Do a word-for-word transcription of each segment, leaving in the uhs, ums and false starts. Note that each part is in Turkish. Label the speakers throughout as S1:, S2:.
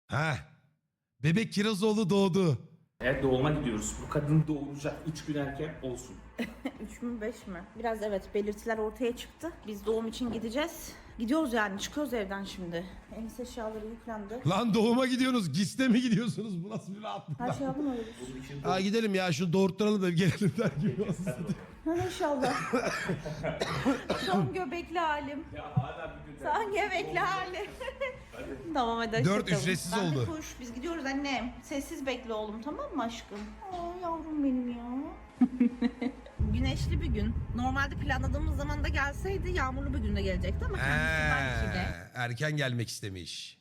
S1: Heh. Bebek Kirazoğlu doğdu.
S2: Evet, doğuma gidiyoruz. Bu kadın doğuracak üç gün erken olsun.
S3: üç mü beş mi? Biraz evet belirtiler ortaya çıktı. Biz doğum için gideceğiz. Gidiyoruz yani çıkıyoruz evden şimdi. Enis eşyaları yüklendi.
S1: Lan doğuma gidiyorsunuz. Giste mi gidiyorsunuz? Bu nasıl bir rahatlık
S3: Her
S1: lan?
S3: şey yapın öyle.
S2: Bunun için
S1: Ha gidelim ya şunu doğurtturalım da gelelim der gibi olsun.
S3: Ha, İnşallah. Son göbekli halim.
S2: ya hala bir gün
S3: Son göbekli halim. Tamam hadi
S1: Dört
S3: hoşçakalın.
S1: ücretsiz
S3: Ben de
S1: oldu.
S3: Kuş. Biz gidiyoruz annem. Sessiz bekle oğlum tamam mı aşkım? Aa yavrum benim ya. Güneşli bir gün. Normalde planladığımız zaman da gelseydi yağmurlu bir günde gelecekti ama kendisi belki de.
S1: He, erken gelmek istemiş.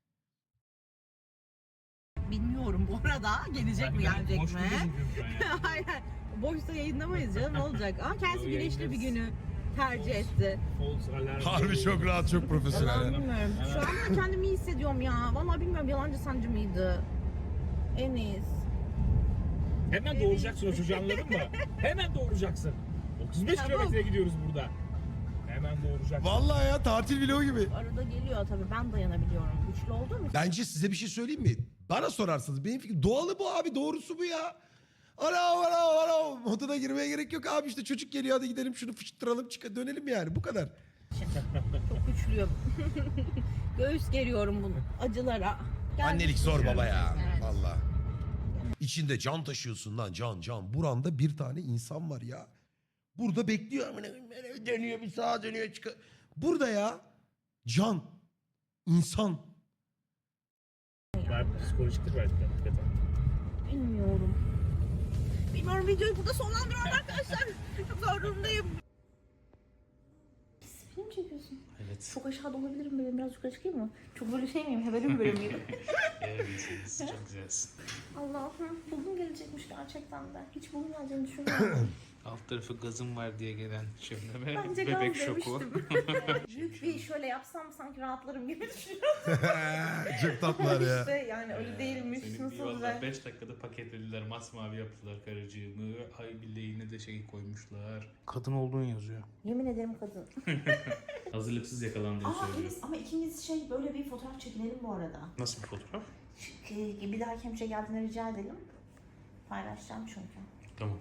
S3: Bilmiyorum bu arada gelecek mi gelecek
S2: Boş
S3: mi?
S2: bir gözüküyorum şu an ya.
S3: Hayır. Boşta yayınlamayız canım ne olacak? Ama kendisi
S2: Yo,
S3: güneşli bir
S2: yayınlarız.
S3: günü tercih etti.
S2: False alarm.
S1: Harbi çok rahat, çok
S3: Vallahi
S1: profesyonel.
S3: bilmiyorum. Şu an ben kendimi iyi hissediyorum ya. Vallahi bilmiyorum yalancı sancı mıydı? Enis.
S2: Hemen doğuracaksın o çocuğu, anladın mı? Hemen doğuracaksın. otuz beş
S3: Çabuk.
S2: kilometreye gidiyoruz burada. Hemen doğuracaksın.
S1: Vallahi ya tatil vlogu gibi.
S3: Arada geliyor tabii ben dayanabiliyorum. Güçlü olduğum için.
S1: Bence size bir şey söyleyeyim mi? Bana sorarsanız benim fikrim doğalı bu abi, doğrusu bu ya. Ana ana ana moduna girmeye gerek yok abi, işte çocuk geliyor hadi gidelim şunu fıştıralım çık dönelim yani bu kadar.
S3: Çok güçlüyüm. Göğüs geriyorum bunu acılara. Geldik.
S1: Annelik zor baba ya.
S3: Evet.
S1: Vallahi. İçinde can taşıyorsun lan, can can. Buranda bir tane insan var ya. Burada bekliyor. amına koyayım, böyle Dönüyor bir sağa dönüyor çıkıyor. Burada ya can, insan.
S2: Var, psikolojiktir belki de. Hakikaten.
S3: Bilmiyorum. Bilmiyorum videoyu burada sonlandırıyorum arkadaşlar. Çok zor durumdayım. Pis film mi çekiyorsun?
S2: Evet.
S3: Çok aşağıda olabilirim benim biraz yukarı çıkayım mı? Çok böyle şey miyim? Hebeli mi böyle miyim?
S2: Evet, çok güzelsin.
S3: Allah'ım bugün gelecekmiş gerçekten de. Hiç bugün geleceğini düşünmüyorum.
S4: Alt tarafı gazım var diye gelen şimdi ve
S3: Bence
S4: bebek
S3: gaz
S4: şoku.
S3: demiştim. Büyük bir şöyle yapsam sanki rahatlarım gibi düşünüyorum.
S1: Çok tatlılar ya.
S3: İşte yani öyle değilmiş.
S4: Seni bir
S3: Nasıl
S4: valla
S3: güzel.
S4: beş dakikada paketlediler, masmavi yaptılar karıcığımı. Ay bileğine de şey koymuşlar. Kadın olduğun yazıyor.
S3: Yemin ederim kadın.
S4: Hazırlıksız yakalandığını
S3: Aa
S4: söylüyor.
S3: Enes ama ikimiz şey böyle bir fotoğraf çekinelim bu arada.
S4: Nasıl bir fotoğraf?
S3: Ki bir dahaki hemşire geldiğinde rica edelim. Paylaşacağım çünkü.
S4: Tamam.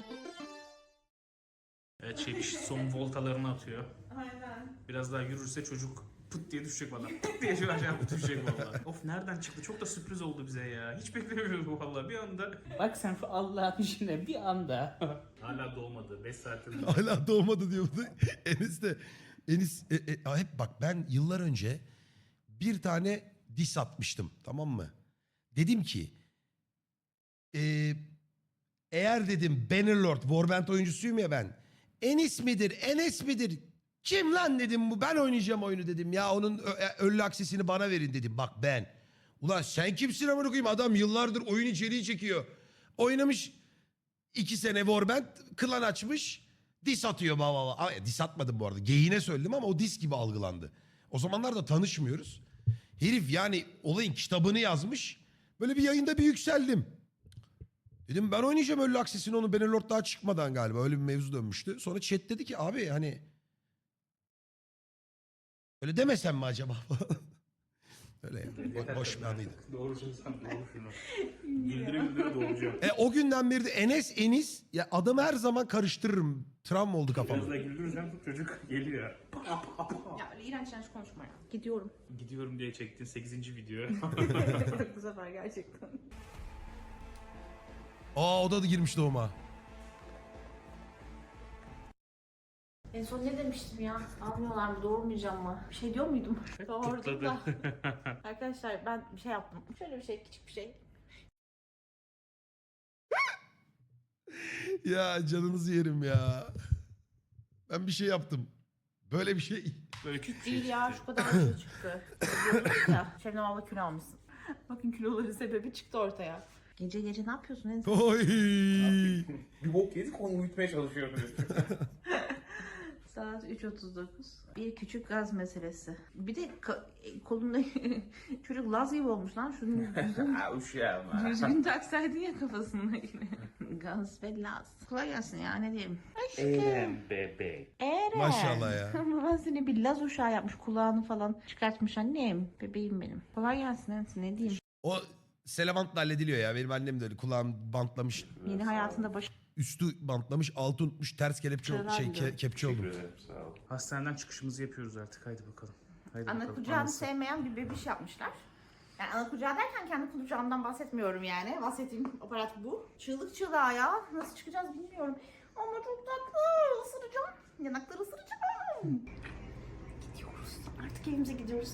S4: Evet şey bir son voltalarını atıyor.
S3: Aynen.
S4: Biraz daha yürürse çocuk pıt diye düşecek bana. Pıt diye şu aşağı düşecek valla. Of nereden çıktı? Çok da sürpriz oldu bize ya. Hiç beklemiyorduk bu valla bir anda.
S5: Bak sen şu Allah'ın işine bir anda.
S4: Hala doğmadı. beş saatin.
S1: Hala doğmadı diyordu. Enis de Enis e, e, a, hep bak ben yıllar önce bir tane diss atmıştım, tamam mı? Dedim ki e, eğer dedim Bannerlord Warband oyuncusuyum ya ben. Enis midir Enes midir? Kim lan dedim, bu ben oynayacağım oyunu dedim ya, onun ö- ölü aksesini bana verin dedim, bak ben. Ulan sen kimsin amına koyayım, adam yıllardır oyun içeriği çekiyor. Oynamış iki sene Warband, klan açmış, diss atıyor baba baba. Ama diss atmadım bu arada, geyine söyledim ama o diss gibi algılandı. O zamanlar da tanışmıyoruz. Herif yani olayın kitabını yazmış. Böyle bir yayında bir yükseldim. Dedim ben oynayacağım ölü aksesini, onu Bannerlord daha çıkmadan galiba öyle bir mevzu dönmüştü. Sonra chat dedi ki abi hani öyle demesem mi acaba? Öyle yani. Bo- boş bir anıydı.
S4: Doğru sen doğru şunu. Güldüre güldüre doğuracağım.
S1: E, o günden beri de Enes Enis ya adamı her zaman karıştırırım. Travma oldu
S2: Biraz
S1: kafama.
S2: daha güldürürsen çocuk geliyor.
S3: Ya öyle iğrenç iğrenç konuşma ya. Gidiyorum.
S4: Gidiyorum diye çektiğin sekizinci video.
S3: Bu sefer gerçekten.
S1: Aa o da girmiş doğuma.
S3: En son ne demiştim ya? Almıyorlar mı? Doğurmayacağım mı? Bir şey diyor muydum? Doğurdum da. Arkadaşlar ben bir şey yaptım. Şöyle bir şey, küçük bir şey.
S1: Ya canınızı yerim ya. Ben bir şey yaptım. Böyle bir şey.
S4: Böyle küçük bir şey
S3: Değil ya
S4: çıktı.
S3: şu kadar şey çıktı. Diyordunuz ya. Şebnem abla kilo almışsın. Bakın kiloların sebebi çıktı ortaya. Gece gece ne yapıyorsun en son?
S1: Oy.
S2: Bir bok yedik, onu uyutmaya çalışıyorum.
S3: Saat üç otuz dokuz. Bir küçük gaz meselesi. Bir de ka- kolunda çocuk Laz gibi olmuş lan. Şunun düzgün,
S2: Ha uşağım ha.
S3: düzgün taksaydın ya kafasındakini. Gaz ve Laz. Kolay gelsin ya, ne diyeyim.
S2: Eren bebek.
S3: Eren.
S1: Maşallah ya.
S3: Ben seni bir Laz uşağı yapmış, kulağını falan çıkartmış annem. Bebeğim benim. Kolay gelsin Ensin, ne diyeyim.
S1: O selamantla hallediliyor ya. Benim annem de öyle kulağım bantlamış.
S3: Yeni hayatında baş...
S1: Üstü bantlamış, altı unutmuş, ters kelepçe
S3: Şuralar
S1: şey
S3: gidiyor.
S1: ke- kepçe oldum.
S2: Sağ ol.
S4: Hastaneden çıkışımızı yapıyoruz artık. Haydi bakalım. Haydi
S3: Ana
S4: bakalım.
S3: kucağını
S4: Anası.
S3: sevmeyen bir bebiş yapmışlar. Yani ana kucağı derken kendi kucağımdan bahsetmiyorum yani. Bahsettiğim aparat bu. Çığlık çığlığa ya. Nasıl çıkacağız bilmiyorum. Ama çok tatlı. Isıracağım. Yanakları ısıracağım. Gidiyoruz. Artık evimize gidiyoruz.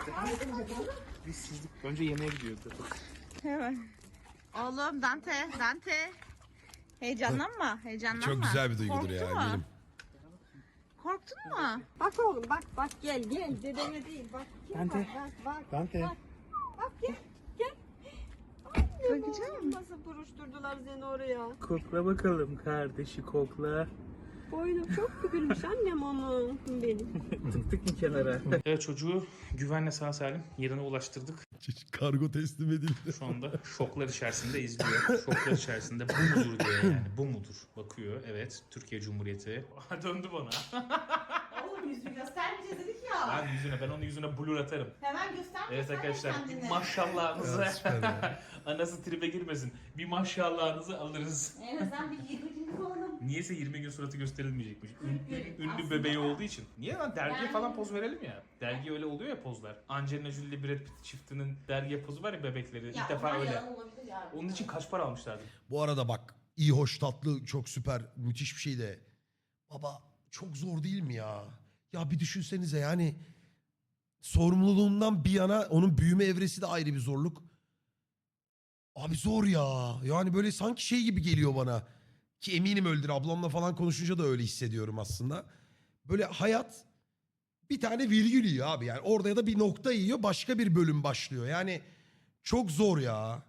S4: Biz sizlik. Önce yemeğe gidiyordu.
S3: Hemen. Oğlum Dante, Dante. Heyecanlanma, heyecanlanma.
S1: Çok güzel bir duygudur
S3: Korktun
S1: ya
S3: mu?
S1: eminim.
S3: Korktun mu?
S6: Bak oğlum bak bak gel gel dedeme değil bak. Gel,
S4: Dante.
S6: Bak bak.
S4: Dante.
S6: Bak, bak gel gel. Bakacağım. Nasıl buruşturdular seni oraya.
S4: Kokla bakalım kardeşi kokla.
S6: Boynum çok bükülmüş annem onu benim.
S4: Tıktık mı kenara? Evet çocuğu güvenle sağ salim yerine ulaştırdık.
S1: Kargo teslim edildi.
S4: Şu anda şoklar içerisinde izliyor. Şoklar içerisinde bu mudur diyor yani. Bu mudur? Bakıyor. Evet. Türkiye Cumhuriyeti. Döndü bana.
S3: Oğlum yüzünü göstermeyeceğiz dedik ya.
S4: Ben yüzüne, ben onun yüzüne blur atarım.
S3: Hemen göster.
S4: Evet
S3: göster
S4: arkadaşlar
S3: kendini.
S4: maşallahınızı.
S1: Ya, süper ya.
S4: Anası tribe girmesin. Bir maşallahınızı alırız.
S3: En azından bir yirmi gün kalalım.
S4: Niyeyse yirmi gün suratı gösterilmeyecekmiş. Ün-
S3: Evet,
S4: ünlü
S3: aslında-
S4: bebeği olduğu için. Niye lan dergiye
S3: Yani-
S4: falan poz verelim ya. Dergi öyle oluyor ya pozlar. Angelina Jolie ile Brad Pitt çiftinin dergiye pozu var ya bebekleri.
S3: Ya
S4: İlk defa
S3: onlar
S4: öyle.
S3: yalan olabilir ya.
S4: Onun için kaç para almışlardı?
S1: Bu arada bak iyi, hoş, tatlı, çok süper, müthiş bir şey de. Baba çok zor değil mi ya? Ya bir düşünsenize yani sorumluluğundan bir yana onun büyüme evresi de ayrı bir zorluk. Abi zor ya. Yani böyle sanki şey gibi geliyor bana. Ki eminim öldür. Ablamla falan konuşunca da öyle hissediyorum aslında. Böyle hayat bir tane virgül yiyor abi. Yani orada ya da bir nokta yiyor, başka bir bölüm başlıyor. Yani çok zor ya.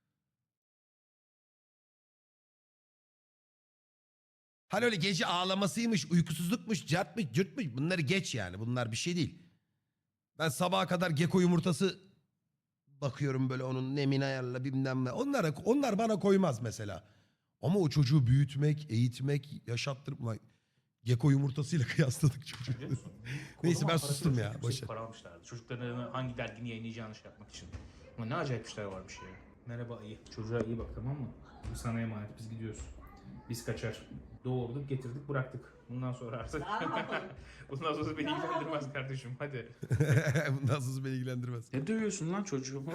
S1: Hani öyle gece ağlamasıymış, uykusuzlukmuş, cartmış, cırtmış. Bunları geç yani. Bunlar bir şey değil. Ben sabaha kadar geko yumurtası bakıyorum böyle, onun nemini ayarla bilmem ne. Onlara, onlar bana koymaz mesela. Ama o çocuğu büyütmek, eğitmek, yaşattırıp... Ulan geko yumurtasıyla kıyasladık çocuğu. Neyse, ben
S4: Kocaman
S1: sustum
S4: parasıyla
S1: ya,
S4: çok
S1: boş
S4: yüksek
S1: ver.
S4: para almışlardı. Çocuklarına hangi dergini yayınlayacağını şey yapmak için. Ama ne acayip işler varmış ya. Merhaba ayı. Çocuğa iyi bak tamam mı? Bu sana emanet. Biz gidiyoruz. Biz kaçar. Doğurduk, getirdik, bıraktık. Bundan sonra artık... Bundan sonra beni ilgilendirmez kardeşim. Hadi.
S1: Bundan sonra beni ilgilendirmez.
S4: Ne dövüyorsun lan çocuğumu?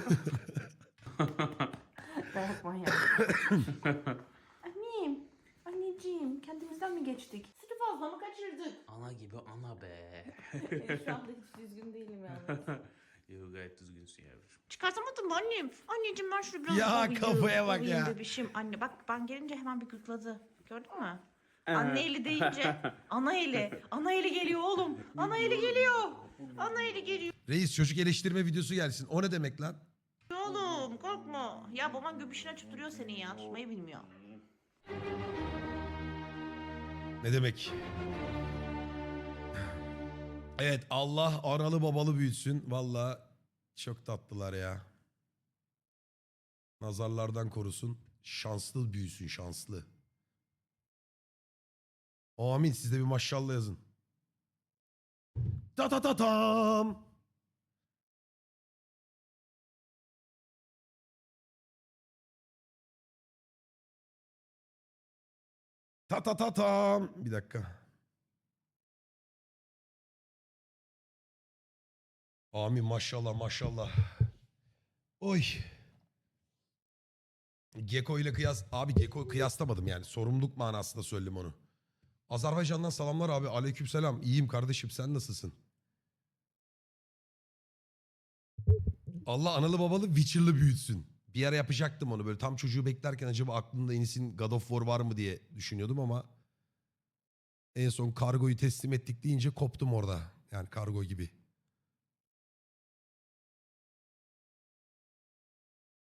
S3: Dayak manyak. Annem, anneciğim kendimizden mi geçtik? Sütü fazla mı kaçırdık?
S4: Ana gibi ana be.
S3: Şu anda hiç düzgün değilim yani.
S4: Yo, gayet düzgünsün yavrum.
S3: Çıkartamadım mı annem? Anneciğim ben şunu biraz
S1: Ya
S3: ovayım,
S1: kafaya bak
S3: ovayım
S1: ya.
S3: Bebişim. Anne bak ben gelince hemen bir gıkladı. Gördün mü? Anne eli deyince ana eli. Ana eli geliyor oğlum. Ana eli geliyor. Ana eli geliyor.
S1: Reis çocuk eleştirme videosu gelsin. O ne demek lan?
S3: Oğlum korkma. Ya baban göbüşünü açıp duruyor senin ya. Tutmayı bilmiyor.
S1: Ne demek? Evet, Allah analı babalı büyütsün. Vallahi çok tatlılar ya. Nazarlardan korusun. Şanslı büyüsün, şanslı. Amin. Siz de bir maşallah yazın. Ta ta ta tam. Ta ta ta tam. Bir dakika. Amin, maşallah maşallah. Oy. Geko ile kıyas... Abi Geko kıyaslamadım yani. Sorumluluk manasında söyledim onu. Azerbaycan'dan selamlar abi. Aleykümselam. İyiyim kardeşim, sen nasılsın? Allah analı babalı Witcher'lı büyütsün. Bir ara yapacaktım onu böyle. Tam çocuğu beklerken acaba aklımda Enis'in God of War var mı diye düşünüyordum ama en son kargoyu teslim ettik deyince koptum orada. Yani kargo gibi.